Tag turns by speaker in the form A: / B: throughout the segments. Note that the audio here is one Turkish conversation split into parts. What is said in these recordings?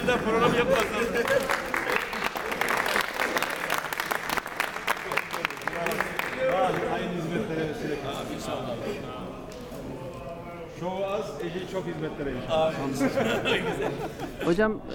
A: bir daha program yapmazsın.
B: Aynı hizmetlere vesile kılsın.
A: İnşallah.
B: Şovu az, eli çok hizmetlere inşallah.
C: Hocam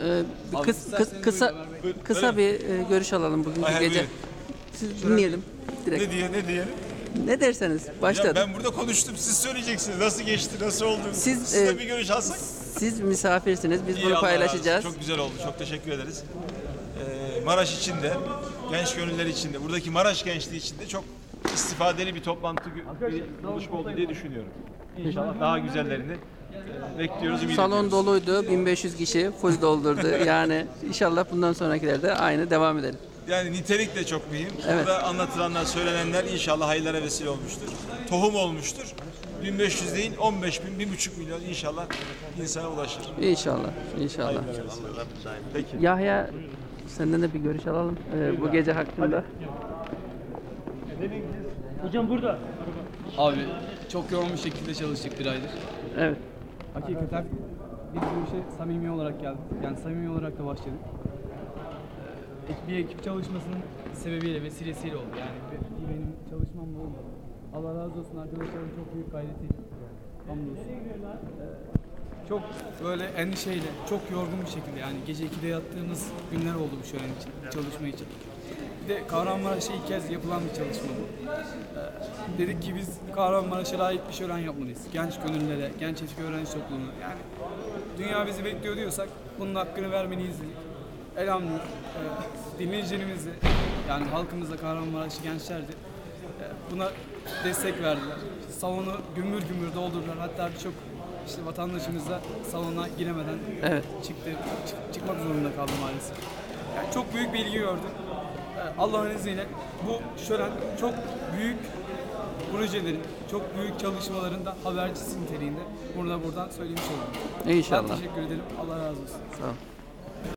C: kısa bir görüş alalım bugünkü
D: Hayır,
C: gece.
D: buyurun.
C: Siz dinleyelim direkt.
D: Ne diyelim?
C: Ne derseniz
D: Ya
C: başladı.
D: ben burada konuştum, siz söyleyeceksiniz. Nasıl geçti, nasıl oldu?
C: Siz,
D: de bir görüş alsak.
C: Siz misafirsiniz. Biz
D: İyi,
C: bunu
D: Allah
C: paylaşacağız.
D: razı olsun. Çok güzel oldu, çok teşekkür ederiz. Maraş için de, genç gönüller için de, buradaki Maraş gençliği için de çok istifadeli bir toplantı, bir buluşma oldu diye düşünüyorum. İnşallah daha güzellerini bekliyoruz, ümit
C: Salon
D: ediyoruz.
C: doluydu. 1500 kişi full doldurdu. Yani inşallah bundan sonrakilerde aynı devam edelim.
D: Yani nitelik de çok mühim.
C: Evet.
D: Burada anlatılanlar, söylenenler inşallah hayırlara vesile olmuştur. Tohum olmuştur. 1500 değil, 15 bin, 1,5 milyon inşallah insana ulaşır.
C: İnşallah. İnşallah.
D: Peki.
C: Yahya senden de bir görüş alalım bu gece hakkında.
A: Hocam burada.
E: Abi çok yoğun bir şekilde çalıştık bir aydır.
C: Evet.
E: Hakikaten biz bu işe samimi olarak geldik. Yani samimi olarak da başladık. Bir ekip çalışmasının sebebiyle, vesilesiyle oldu. Yani benim çalışmamla oldu. Allah razı olsun, arkadaşlarım çok büyük gayretiyle. Hamdolsun. Çok böyle endişeyle, çok yorgun bir şekilde, yani gece 2'de yattığımız günler oldu bu şölen için, çalışma için. Bir de Kahramanmaraş'a ilk kez yapılan bir çalışma bu. Dedik ki biz Kahramanmaraş'a layık bir şölen yapmalıyız. Genç gönüllere, genç eski öğrenci toplumuna. Yani dünya bizi bekliyor diyorsak bunun hakkını vermeliyiz dedik. Elhamdülillah dinleyicilerimiz de, yani halkımız da, Kahramanmaraşlı gençler de buna destek verdiler. Salonu gümbür gümbür doldurdular. Hatta birçok işte vatandaşımız da salona giremeden çıkmak zorunda kaldı maalesef. Yani çok büyük bir ilgi gördü. Allah'ın izniyle bu şölen çok büyük projelerin, çok büyük çalışmaların da habercisi niteliğinde. Buradan söylemiş oldum.
C: İnşallah.
E: Ben teşekkür ederim. Allah razı olsun.
C: Sağ ol.